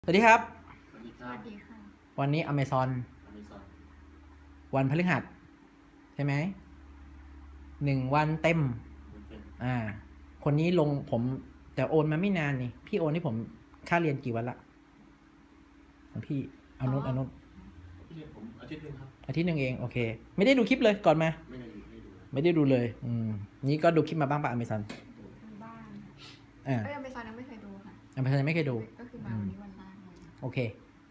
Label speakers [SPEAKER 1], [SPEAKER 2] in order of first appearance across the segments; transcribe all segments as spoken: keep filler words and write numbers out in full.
[SPEAKER 1] สวัสดีครับ
[SPEAKER 2] สวัสดีค
[SPEAKER 3] ส
[SPEAKER 2] รับ
[SPEAKER 3] วัสดีค่ะ
[SPEAKER 1] วันนี้ Amazon
[SPEAKER 2] Amazon
[SPEAKER 1] วันพฤหัสใช่ไหมหนึ่งวันเต็ม
[SPEAKER 2] มันเป็น
[SPEAKER 1] อ่า คนนี้ลงผมแต่โอนมาไม่นานนี่ พี่โอนให้ผมค่าเรียนกี่วันละของพี่เอานุนเอานุน
[SPEAKER 2] พี่เรียนผมอาทิตย์หนึงครับ
[SPEAKER 1] อาทิตย์หนึ่งเองโอเค ไม่ได้ดูคลิปเลยก่อนมา
[SPEAKER 2] ไม่ได้อยู่ไม่ได้ดู
[SPEAKER 1] ไม่ได้ดูเลย อืมนี่ก็ดูคลิปมาบ้างปะ Amazon
[SPEAKER 3] ทางบ้าน
[SPEAKER 1] อ่า
[SPEAKER 3] เอ้ยอเมซอนยังไม่เคยดูค่ะ
[SPEAKER 1] Amazon ยังไม่เคยดู
[SPEAKER 3] ก็คือมาวันนี้วันแรกเลย
[SPEAKER 1] โอเค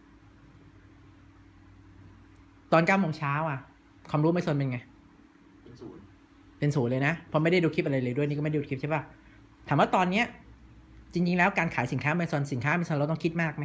[SPEAKER 1] ตอนเก้าโมงเช้าอ่ะ ความรู้ Amazon เป็นไง
[SPEAKER 2] เป็นศูนย์
[SPEAKER 1] เป็นศูนย์เลยนะเพราะไม่ได้ดูคลิปอะไรเลยด้วยนี่ก็ไม่ได้ดูคลิปใช่ป่ะถามว่าตอนเนี้ยจริงๆแล้วการขายสินค้า Amazon สินค้า Amazon เราต้องคิดมากไหม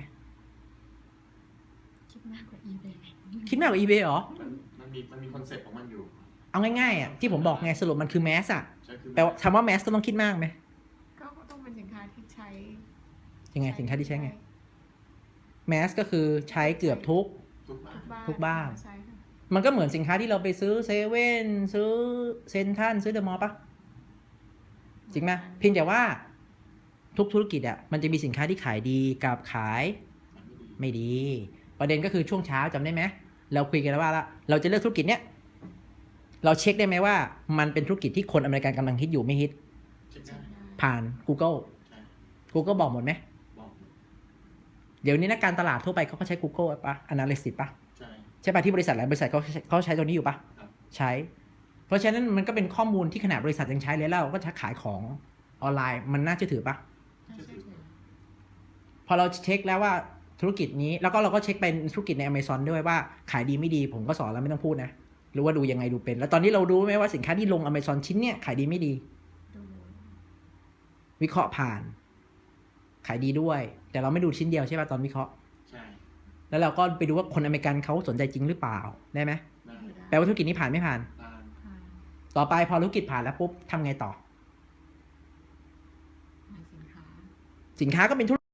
[SPEAKER 3] คิดมากกว่า eBay
[SPEAKER 1] คิดมากกว่า eBay เหรอ
[SPEAKER 2] มันมันมีมันมีคอนเซ็ปต์ของมันอยู่
[SPEAKER 1] เอาง่ายๆอ่ะที่ผมบอกไงสรุปมันคือแมสอ่ะ
[SPEAKER 2] ใช่คือ
[SPEAKER 1] แปลว่าคำว่าแมสก็ต้องคิดมากไหม
[SPEAKER 3] ก็ต้องเป็นสินค้าที่ใช้
[SPEAKER 1] ยังไงสินค้าที่ใช้ไงแมสก็คือใช้เกือบทุก
[SPEAKER 2] ทุกบ้าน
[SPEAKER 3] บ้าน
[SPEAKER 1] ทุกบ้าน
[SPEAKER 3] ใช่ค่ะ
[SPEAKER 1] มันก็เหมือนสินค้าที่เราไปซื้อเซเว่นซื้อเซนทันซื้อเดอะมอลล์ปะจริงไหมเพียงแต่ว่าทุกธุรกิจอ่ะมันจะมีสินค้าที่ขายดีกับขาย
[SPEAKER 2] ไม่ดี
[SPEAKER 1] ไม่ดี ประเด็นก็คือช่วงเช้าจำได้ไหมเราคุยกันแล้วว่าละเราจะเลือกธุรกิจเนี้ยเราเช็คได้ไหมว่ามันเป็นธุรกิจที่คนอเมริกันกำลังฮิตอยู่ไม่ฮิต
[SPEAKER 2] เช็คได้
[SPEAKER 1] ผ่าน Google
[SPEAKER 2] ใช่
[SPEAKER 1] Google บอกหมดไหม
[SPEAKER 2] บอก
[SPEAKER 1] เดี๋ยวนี้นักการตลาดทั่วไปเขาก็ใช้ Google ปะ Analytics ปะ
[SPEAKER 2] ใช่
[SPEAKER 1] ใช่ปะที่บริษัทหลายบริษัทเขาเขาใช้ตัวนี้อยู่ปะ
[SPEAKER 2] ครับ
[SPEAKER 1] ใช้ เพราะฉะนั้นมันก็เป็นข้อมูลที่ขนาดบริษัทยังใช้เลยแล้วเราก็จะขายของออนไลน์มันน่าเชื่อถือปะ
[SPEAKER 3] น่าเชื่อถือ
[SPEAKER 1] พอเราเช็คแล้วว่าธุรกิจนี้แล้วก็เราก็เช็คเป็นธุรกิจใน Amazon ด้วยว่าขายดีไม่ดีผมก็สอนแล้วไม่ต้องพูดนะรู้ว่าดูยังไงดูเป็น แล้วตอนนี้เรารู้ไหมว่าสินค้าที่ลง Amazon ชิ้นเนี้ยขายดีไม่ดี
[SPEAKER 3] ดู
[SPEAKER 1] วิเคราะห์ผ่าน ขายดีด้วย แต่เราไม่ดูชิ้นเดียวใช่ป่ะตอนวิเคราะห์
[SPEAKER 2] ใช่
[SPEAKER 1] แล้วเราก็ไปดูว่าคนอเมริกันเขาสนใจจริงหรือเปล่าได้ไหม
[SPEAKER 2] ได้
[SPEAKER 1] แปลว่าธุรกิจนี้ผ่านไม่ผ่าน
[SPEAKER 2] ตาม
[SPEAKER 3] ผ่าน
[SPEAKER 1] ต่อไปพอธุรกิจผ่านแล้วปุ๊บทำไงต่อ
[SPEAKER 3] ขายสินค้า
[SPEAKER 1] สินค้าก็เป็นธุร